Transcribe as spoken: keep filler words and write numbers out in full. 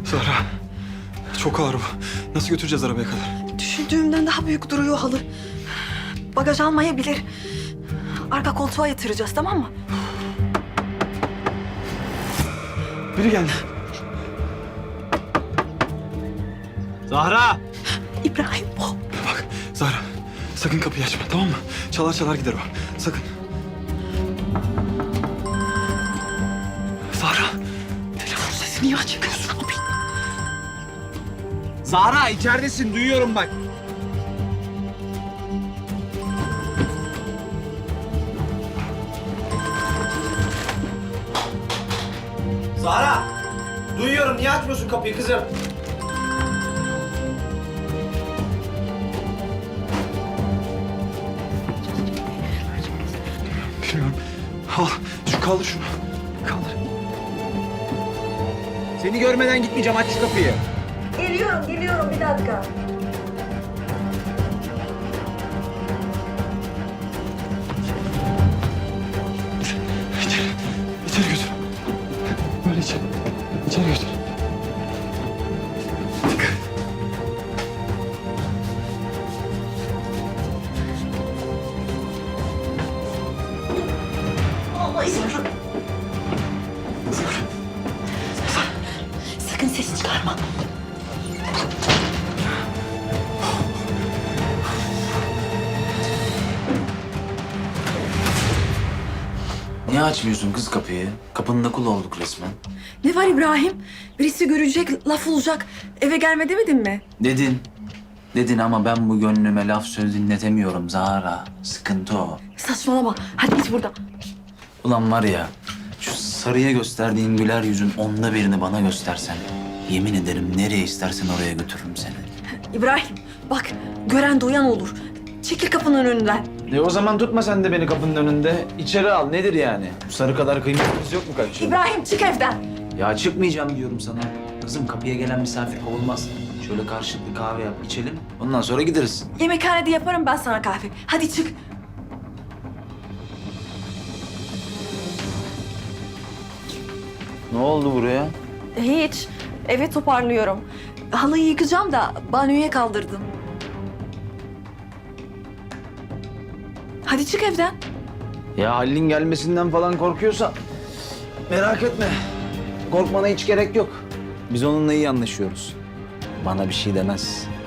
Zahra, çok ağır bu. Nasıl götüreceğiz arabaya kadar? Düşündüğümden daha büyük duruyor halı. Bagaj almayabilir. Arka koltuğa yatıracağız, tamam mı? Biri geldi. Zahra! İbrahim o. Bak Zahra, sakın kapıyı açma, tamam mı? Çalar çalar gider o. Sakın. Zahra. Telefon sesini niye açıkıyorsun abi? Zahra içeridesin, duyuyorum bak. Zahra! Duyuyorum, niye açmıyorsun kapıyı kızım? Bilmiyorum. Al, şu kaldır şunu. Kaldır. Seni görmeden gitmeyeceğim, aç şu kapıyı. Geliyorum, geliyorum. Bir dakika. İçeri, içeri götür. Böyle içeri. İçeri götür. Dikkat. Allah izin ver. Sakın ses çıkarma. Niye açmıyorsun kız kapıyı? Kapının kulu olduk resmen. Ne var İbrahim? Birisi görecek, laf olacak. Eve gelme demedin mi? Dedin. Dedin ama ben bu gönlüme laf söz dinletemiyorum Zahra. Sıkıntı o. Saçmalama. Hadi git buradan. Ulan var ya, şu sarıya gösterdiğin güler yüzün onda birini bana göstersen. Yemin ederim nereye istersen oraya götürürüm seni. İbrahim bak gören duyan olur. Çekil kapının önünden. E o zaman tutma sen de beni kapının önünde. İçeri al, nedir yani? Bu sarı kadar kıymetimiz yok mu kardeşim? İbrahim çık evden. Ya çıkmayacağım diyorum sana. Kızım kapıya gelen misafir kovulmaz. Şöyle karşılıklı kahve yap, içelim. Ondan sonra gideriz. Yemekhanede yaparım ben sana kahve. Hadi çık. Ne oldu buraya? Hiç. Eve toparlıyorum. Halıyı yıkacağım da banyoya kaldırdım. Hadi çık evden. Ya Halil'in gelmesinden falan korkuyorsan merak etme. Korkmana hiç gerek yok. Biz onunla iyi anlaşıyoruz. Bana bir şey demez.